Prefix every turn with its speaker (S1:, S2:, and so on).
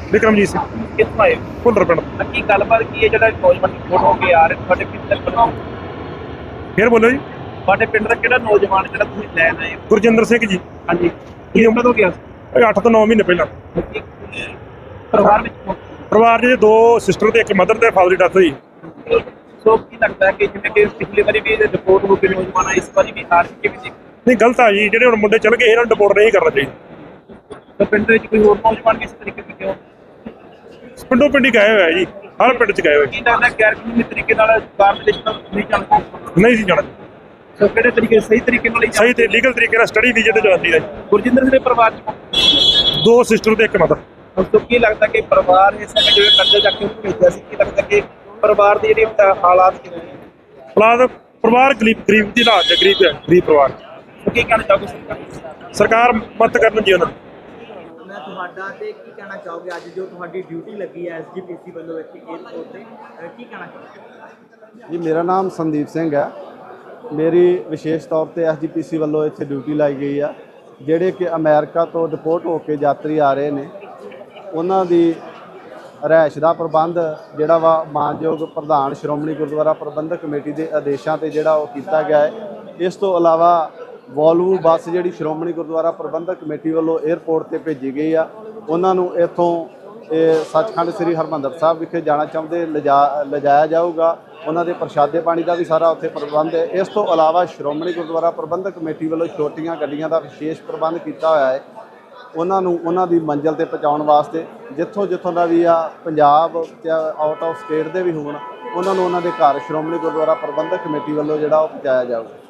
S1: ਵਿਕਰਮਜੀਤ ਸਿੰਘ
S2: ਕਿੱਥੋਂ ਆਏ
S1: ਭੁੱਲਰ ਪਿੰਡ।
S2: ਕੀ ਗੱਲਬਾਤ ਕੀ ਹੈ ਜਿਹੜਾ ਨੌਜਵਾਨ ਰਿਪੋਰਟ ਹੋ ਕੇ ਆ ਰਹੇ ਤੁਹਾਡੇ ਪਿੰਡ ਦਾ
S1: ਫੇਰ ਬੋਲੋ ਜੀ।
S2: ਤੁਹਾਡੇ ਪਿੰਡ ਦਾ ਕਿਹੜਾ ਨੌਜਵਾਨ ਜਿਹੜਾ ਤੁਸੀਂ ਲੈਣ ਆਏ ਹੋ?
S1: ਗੁਰਜਿੰਦਰ ਸਿੰਘ ਜੀ।
S2: ਹਾਂਜੀ ਕੀ ਉਮਰ ਹੋ ਗਿਆ?
S1: 8 ਤੋਂ 9 ਮਹੀਨੇ ਪਹਿਲਾਂ।
S2: ਪਰਿਵਾਰ ਵਿੱਚ
S1: ਪਰਿਵਾਰ 'ਚ 2 ਸਿਸਟਰ ਤੇ 1 ਮਦਰ ਤੇ ਫਾਦਰ ਦੀ ਡੈਥ ਹੋਈ।
S2: ਸੋ ਕੀ ਲੱਗਦਾ ਹੈ ਕਿ ਜਿਵੇਂ ਕਿ ਪਿਛਲੀ ਵਾਰੀ ਵੀ ਰਿਪੋਰਟ ਹੋ ਕੇ ਨੌਜਵਾਨ ਆਏ, ਇਸ ਵਾਰੀ ਵੀ ਹਾਰ ਕਿਵੇਂ ਦੇਖ?
S1: ਨਹੀਂ, ਗਲਤ ਆ ਜੀ। ਜਿਹੜੇ ਹੁਣ ਮੁੰਡੇ ਚੱਲ ਗਏ ਇਹਨਾਂ ਨੂੰ ਡਿਪੋਰਟ ਨਹੀਂ ਕਰਨਾ ਚਾਹੀਦਾ।
S2: ਤਾਂ ਪਿੰਡ ਵਿੱਚ ਕੋਈ ਹੋਰ ਨੌਜਵਾਨ ਕਿਸ ਤਰੀਕੇ ਦੇ ਕਿਉਂ
S1: ਪਿੰਡੋਂ ਪਿੰਡ ਹੀ ਗਏ ਹੋਏ ਆ ਜੀ, ਹਰ ਪਿੰਡ 'ਚ ਗਏ ਹੋਏ।
S2: ਕੀ ਲੱਗਦਾ ਗੈਰ ਕਾਨੂੰਨੀ ਤਰੀਕੇ ਨਾਲ ਬਾਹਰ ਦੇ ਦੇਸ਼ਾਂ ਨਹੀਂ ਜਾਣਾ?
S1: ਨਹੀਂ ਸੀ ਜਾਣਾ।
S2: ਸੋ ਕਿਹੜੇ ਤਰੀਕੇ ਸਹੀ ਤਰੀਕੇ ਨਾਲ ਹੀ
S1: ਸਹੀ ਤੇ ਲੀਗਲ ਤਰੀਕੇ ਨਾਲ ਸਟੱਡੀ ਵੀਜ਼ੇ ਤੇ ਜਾਂਦੀ ਹੈ।
S2: ਗੁਰਜਿੰਦਰ ਸਿੰਘ ਦੇ ਪਰਿਵਾਰ ਚ
S1: 2 ਸਿਸਟਰ ਤੇ 1 ਮਦਰ।
S2: ਉਸ ਤੋਂ ਕੀ ਲੱਗਦਾ ਕਿ ਪਰਿਵਾਰ ਇਸ ਸਮੇਂ ਜਿਵੇਂ ਕਰਜ਼ਾ ਚੱਕ ਕੇ ਉਹਨੂੰ ਭੇਜਿਆ ਸੀ, ਕੀ ਲੱਗਦਾ ਕਿ ਪਰਿਵਾਰ ਦੀ ਜਿਹੜੀ ਹਾਲਾਤ ਕਿਵੇਂ ਨੇ?
S1: ਪਰਿਵਾਰ ਗਰੀਬ ਦੀ ਹਾਲਾਤ 'ਚ, ਗਰੀਬ ਪਰਿਵਾਰ।
S2: ਕੀ ਕਹਿਣਾ ਚਾਹੋਗੇ ਸਰਕਾਰ?
S1: ਸਰਕਾਰ ਮਦਦ ਕਰਨ ਜੀ ਉਹਨਾਂ ਨੂੰ।
S3: ਮੈਂ ਤੁਹਾਡਾ ਤੇ ਕੀ ਕਹਿਣਾ ਚਾਹੋਗੇ ਅੱਜ ਜੋ ਤੁਹਾਡੀ ਡਿਊਟੀ ਲੱਗੀ ਹੈ ਐਸਜੀਪੀਸੀ ਵੱਲੋਂ ਇੱਥੇ ਏਅਰਪੋਰਟ ਤੇ ਕੀ ਕਹਿਣਾ ਚਾਹੋਗੇ?
S4: ਜੀ, ਮੇਰਾ ਨਾਮ ਸੰਦੀਪ ਸਿੰਘ ਹੈ। ਮੇਰੀ ਵਿਸ਼ੇਸ਼ ਤੌਰ ਤੇ ਐਸਜੀਪੀਸੀ ਵੱਲੋਂ ਇੱਥੇ ਡਿਊਟੀ ਲਾਈ ਗਈ ਆ। ਜਿਹੜੇ ਕਿ ਅਮਰੀਕਾ ਤੋਂ ਡਿਪੋਰਟ ਹੋ ਕੇ ਯਾਤਰੀ ਆ ਰਹੇ ਨੇ, ਉਹਨਾਂ ਦੀ ਰਿਹਾਇਸ਼ ਦਾ ਪ੍ਰਬੰਧ ਜਿਹੜਾ ਵਾ ਮਾਨਯੋਗ ਪ੍ਰਧਾਨ ਸ਼੍ਰੋਮਣੀ ਗੁਰਦੁਆਰਾ ਪ੍ਰਬੰਧਕ ਕਮੇਟੀ ਦੇ ਆਦੇਸ਼ਾਂ ਤੇ ਜਿਹੜਾ ਉਹ ਕੀਤਾ ਗਿਆ ਹੈ। ਇਸ ਤੋਂ ਇਲਾਵਾ ਵੋਲਵੋ ਬੱਸ ਜਿਹੜੀ ਸ਼੍ਰੋਮਣੀ ਗੁਰਦੁਆਰਾ ਪ੍ਰਬੰਧਕ ਕਮੇਟੀ ਵੱਲੋਂ 에ਅਰਪੋਰਟ ਤੇ ਭੇਜੀ ਗਈ ਆ, ਉਹਨਾਂ ਨੂੰ ਇੱਥੋਂ ਸੱਚਖੰਡ ਸ੍ਰੀ ਹਰਿਮੰਦਰ ਸਾਹਿਬ ਵਿਖੇ ਜਾਣਾ ਚਾਹੁੰਦੇ ਲਿਜਾਇਆ ਜਾਊਗਾ। ਉਹਨਾਂ ਦੇ ਪ੍ਰਸ਼ਾਦੇ ਪਾਣੀ ਦਾ ਵੀ ਸਾਰਾ ਉੱਥੇ ਪ੍ਰਬੰਧ ਹੈ। ਇਸ ਤੋਂ ਇਲਾਵਾ ਸ਼੍ਰੋਮਣੀ ਗੁਰਦੁਆਰਾ ਪ੍ਰਬੰਧਕ ਕਮੇਟੀ ਵੱਲੋਂ ਛੋਟੀਆਂ ਗੱਡੀਆਂ ਦਾ ਵਿਸ਼ੇਸ਼ ਪ੍ਰਬੰਧ ਕੀਤਾ ਹੋਇਆ ਹੈ। ਉਹਨਾਂ ਨੂੰ ਉਹਨਾਂ ਦੀ ਮੰਜ਼ਿਲ ਤੇ ਪਹੁੰਚਾਉਣ ਵਾਸਤੇ ਜਿੱਥੋਂ ਦਾ ਵੀ ਆ, ਪੰਜਾਬ ਜਾਂ ਆਊਟ ਆਫ ਸਟੇਟ ਦੇ ਵੀ ਹੋਣ, ਉਹਨਾਂ ਨੂੰ ਉਹਨਾਂ ਦੇ ਘਰ ਸ਼੍ਰੋਮਣੀ ਗੁਰਦੁਆਰਾ ਪ੍ਰਬੰਧਕ ਕਮੇਟੀ ਵੱਲੋਂ ਜਿਹੜਾ ਉਹ ਪਹੁੰਚਾਇਆ ਜਾਊਗਾ।